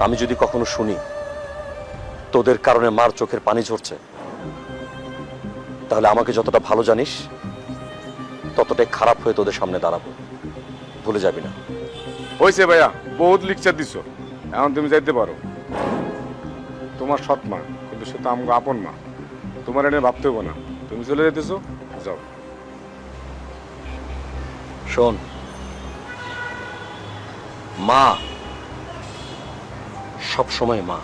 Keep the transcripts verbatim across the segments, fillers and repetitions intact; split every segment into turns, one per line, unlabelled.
আমি যদি কখনো শুনি তোদের কারণে মার চোখের পানি ঝরছে, তাহলে আমাকে যতটা ভালো জানিস ততটাই খারাপ হয়ে তোদের সামনে দাঁড়াবো, ভুলে যাবি না।
হয়েছে ভাইয়া, বহুত লেকচার দিছো, এখন তুমি যাইতে পারো। তোমার সৎ মা, কিন্তু সে তো আমাকে আপন মা, তোমার এনে ভাবতে হবো না। তুমি চলে যেতেছো, যাও।
শোন, মা সব সময় মা।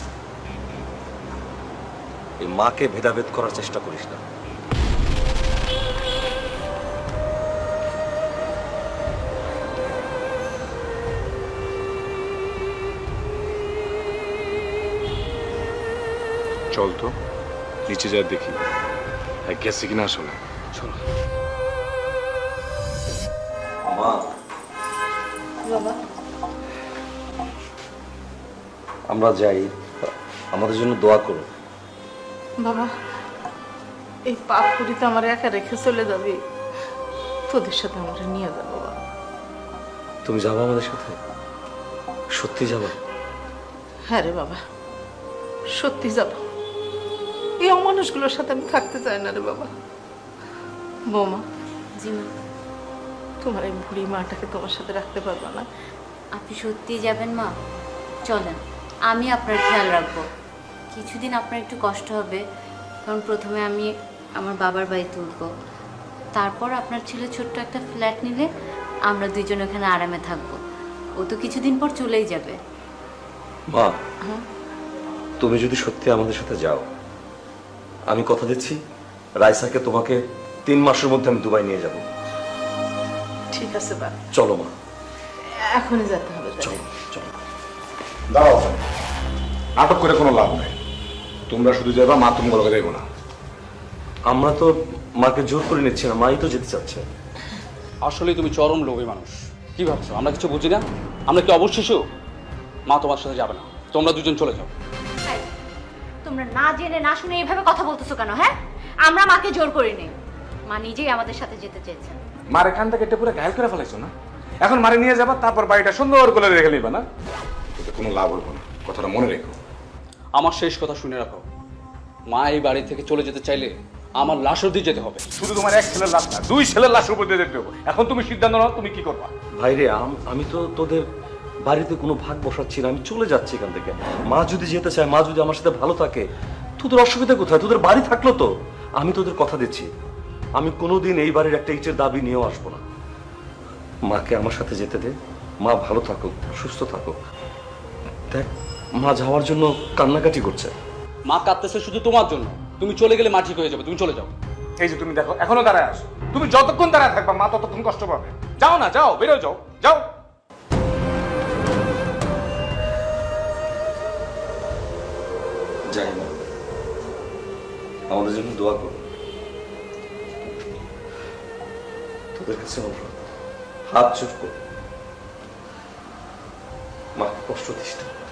এই মাকে ভেদাভেদ করার চেষ্টা করিস না।
চল তো নিচে যা দেখি হ্যাঁ গেছে কিনা আসলে। চল।
মা,
বাবা,
আমরা যাই, আমাদের জন্য দোয়া করো।
বাবা, এই পাপ পুরিতে আমার একা রেখে চলে যাবি? তোদের সাথে আমার নিয়ে যাবো বাবা।
তুমি যাবো আমাদের সাথে? সত্যি যাবা?
হ্যাঁ রে বাবা, সত্যি যাব। এই অমানুষগুলোর সাথে আমি থাকতে চাই না রে বাবা। বৌমা,
জি মা।
তোমার এই বুড়ি মাটাকে তোমার সাথে রাখতে পারবো না।
আপনি সত্যিই যাবেন মা? চলেন, আমি আপনার খেয়াল রাখবো। কিছুদিন আপনার একটু কষ্ট হবে, কারণ প্রথমে আমি আমার বাবার বাড়ি তুলবো, তারপর আপনার ছেলে ছোট্ট একটা ফ্ল্যাট নিলে আমরা দুইজন ওখানে আরামে থাকবো। ও তো কিছুদিন পর চলেই যাবে।
মা, তুমি যদি সত্যি আমাদের সাথে যাও, আমি কথা দিচ্ছি রাইসাকে তোমাকে তিন মাসের মধ্যে আমি দুবাই নিয়ে যাব।
ঠিক আছে বা,
চলো মা,
এখনই যেতে হবে।
চলো চলো।
দাঁড়াও, নাটক করে কোনো লাভ নাই। তোমরা শুধু যাবা, মা তুমি বলকে যাইবো না।
আমরা তো মাকে জোর করে নিচ্ছি না, মাই তো যেতে চাচ্ছে।
আসলে তুমি চরম লোভী মানুষ। কি ভাবছো আমরা কিছু বুঝি না? আমরা কি অবশেষে? মা তোমার সাথে যাবে না, তোমরা দুজন চলে যাও।
তোমরা না জেনে না শুনে এইভাবে কথা বলতেছো কেন? হ্যাঁ, আমরা মাকে জোর করিনি, মা নিজেই আমাদের সাথে যেতে চেয়েছেন।
মার এখান থেকে একটা পুরো ঘায়ল করে ফেলাইছো না? এখন মারে নিয়ে যাবা, তারপর বাড়িটা সুন্দর করে রেখে নিবা না? এতে কোনো লাভ হইব না, কথাটা মনে রেখো।
আমার শেষ কথা শুনে রাখো, মা এই বাড়ি থেকে চলে যেতে চাইলে আমার লাশ অবধি যেতে হবে।
শুধু তোমার এক ছেলের লাশ না, দুই ছেলের লাশের উপর দিয়ে যেতে হবে। এখন তুমি সিদ্ধান্ত নাও, তুমি কি করবা।
ভাইরে, আমি তো তোদের বাড়িতে কোনো ভাগ বসাচ্ছি না, আমি চলে যাচ্ছি এখান থেকে। মা যদি যেতে চায়, মা যদি আমার সাথে ভালো থাকে, তোদের অসুবিধা কোথায়? তোদের বাড়ি থাকলো তো। আমি তোদের কথা দিচ্ছি, আমি কোনোদিন এই বাড়ির একটা ইটের দাবি নিয়েও আসবো না। মাকে আমার সাথে যেতে দে, মা ভালো থাকুক, সুস্থ থাকুক। দেখ, মা যাওয়ার জন্য কান্নাকাটি করছে।
মা কাঁদতেছে শুধু তোমার জন্য। তুমি চলে গেলে মা ঠিক হয়ে যাবে, তুমি চলে যাও।
এই যে তুমি দেখো, এখনো দাঁড়ায় আসো। তুমি যতক্ষণ দাঁড়ায় থাকবা, মা ততক্ষণ কষ্ট পাবে। যাও না, যাও, বেরো যাও, যাও।
যাই না, আমাদের জন্য দোয়া করো। তোদের কাছে অনুরোধ, হাত জোর করো, মা কষ্ট দিস না।